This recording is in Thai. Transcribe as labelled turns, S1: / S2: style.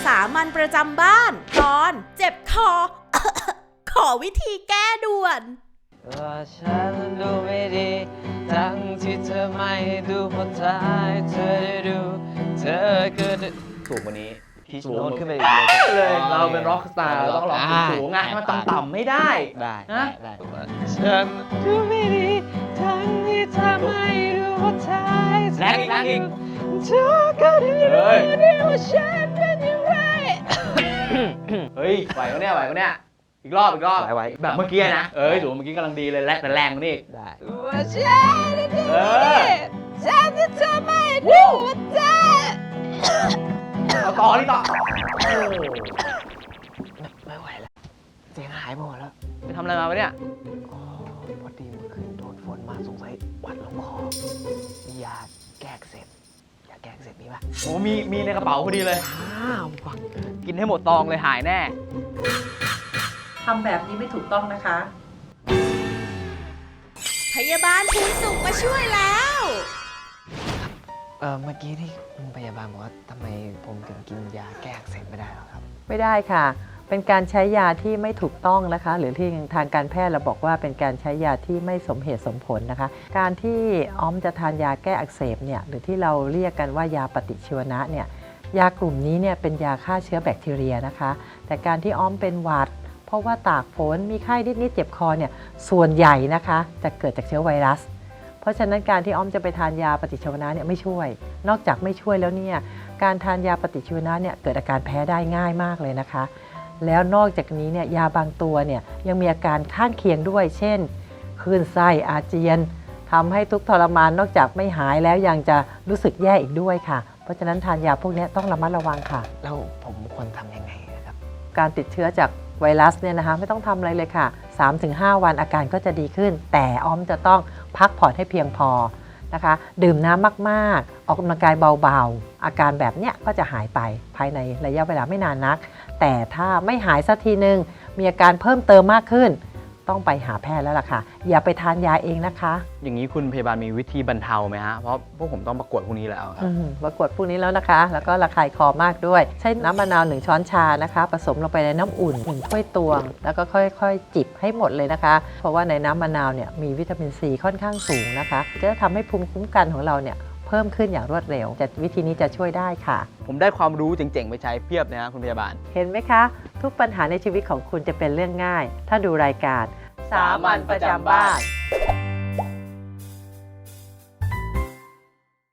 S1: สามัญประจำบ้านตอนเจ็บคอ ขอวิธีแก้ด่วน
S2: ว่าฉันดูไม่ดีทั้งที่เธอไม่ดูพอท้ายเธอได้ดูเธอก็ได้สูงกว่านี้ที่โน้ตขึ้นไปอีก
S3: เลยเราเป็นร็อกสตาร์ต้องร้องสูงๆไงให้มันต่ำๆไม่ได้
S2: ได้ฉันดูไม่ดีทั้งที่เธอไม่ดูพอท้าย
S3: แรงอีก
S2: เธอก็ได้รู้ว่าฉันเป็นยังไง
S3: เฮ้ยไหวก็เนี่ยอีกรอบ
S2: ไหว
S3: แบบเมื่อกี้นะสูงเมื่อกี้กำลังดีเลยแต่แรงกว่านี้
S2: ได้ว่าฉันเป็นยังไงฉันที่เธอไม่ดูว่าเธอ
S3: เอาต่อนี่ต่อ
S2: ไม่ไหวแล้วเสียงหายหมดแล้ว
S3: ไปทำอะไรมาวะเนี่ย
S2: พอดีเมื่อคืนโดนฝนมาสงสัยหวัดลงคอมียาแก้อักเสบมีป่ะ
S3: โอ้มีในกระเป๋าพอดีเลย
S2: ฟัง
S3: กินให้หมดตองเลยหายแน่
S1: ทำแบบนี้ไม่ถูกต้องนะคะ พยาบาลภูนสุขมาช่วยแล้ว
S2: เมื่อกี้ที่คุณพยาบาลบอกว่าทำไมผมถึงกินยาแก้อักเสบไม่ได้หรอครับ
S4: ไม่ได้ค่ะเป็นการใช้ยาที่ไม่ถูกต้องนะคะหรือที่ทางการแพทย์เราบอกว่าเป็นการใช้ยาที่ไม่สมเหตุสมผลนะคะการที่อ้อมจะทานยาแก้อักเสบเนี่ยหรือที่เราเรียกกันว่ายาปฏิชีวนะเนี่ยยากลุ่มนี้เนี่ยเป็นยาฆ่าเชื้อแบคทีเรียนะคะแต่การที่อ้อมเป็นหวัดเพราะว่าตากฝนมีไข้นิดๆเจ็บคอเนี่ยส่วนใหญ่นะคะจะเกิดจากเชื้อไวรัสเพราะฉะนั้นการที่อ้อมจะไปทานยาปฏิชีวนะเนี่ยไม่ช่วยนอกจากไม่ช่วยแล้วเนี่ยการทานยาปฏิชีวนะเนี่ยเกิดอาการแพ้ได้ง่ายมากเลยนะคะแล้วนอกจากนี้เนี่ยยาบางตัวเนี่ยยังมีอาการข้างเคียงด้วยเช่นคลื่นไส้อาเจียนทำให้ทุกข์ทรมานนอกจากไม่หายแล้วยังจะรู้สึกแย่อีกด้วยค่ะเพราะฉะนั้นทานยาพวกนี้ต้องระมัดระวังค่ะ
S2: แล้วผมควรทำยังไงครับ
S4: การติดเชื้อจากไวรัสเนี่ยนะคะไม่ต้องทำอะไรเลยค่ะ 3-5 วันอาการก็จะดีขึ้นแต่อ้อมจะต้องพักผ่อนให้เพียงพอนะคะดื่มน้ำมากๆออกกำลังกายเบาๆอาการแบบเนี้ยก็จะหายไปภายในระยะเวลาไม่นานนักแต่ถ้าไม่หายสักทีนึงมีอาการเพิ่มเติมมากขึ้นต้องไปหาแพทย์แล้วล่ะค่ะอย่าไปทานยาเองนะคะ
S3: อย่างนี้คุณพยาบาลมีวิธีบรรเทาไหมฮะเพราะพวกผมต้องประกวดพวกนี้แล้วครับ
S4: ประกวดพวกนี้แล้วนะคะแล้วก็ระคายคอมากด้วยใช้น้ำมะนาว1 ช้อนชานะคะผสมลงไปในน้ำอุ่น1 ถ้วยตวงแล้วก็ค่อยๆจิบให้หมดเลยนะคะเพราะว่าในน้ำมะนาวเนี่ยมีวิตามินซีค่อนข้างสูงนะคะจะทำให้ภูมิคุ้มกันของเราเนี่ยเพิ่มขึ้นอย่างรวดเร็ววิธีนี้จะช่วยได้ค่ะ
S3: ผมได้ความรู้เจ๋งๆไปใช้เพียบนะฮะคุณพยาบาล
S4: เห็นไหมคะทุกปัญหาในชีวิตของคุณจะเป็นเรื่องง่ายถ้าดูรายการสามัญประจำบ้าน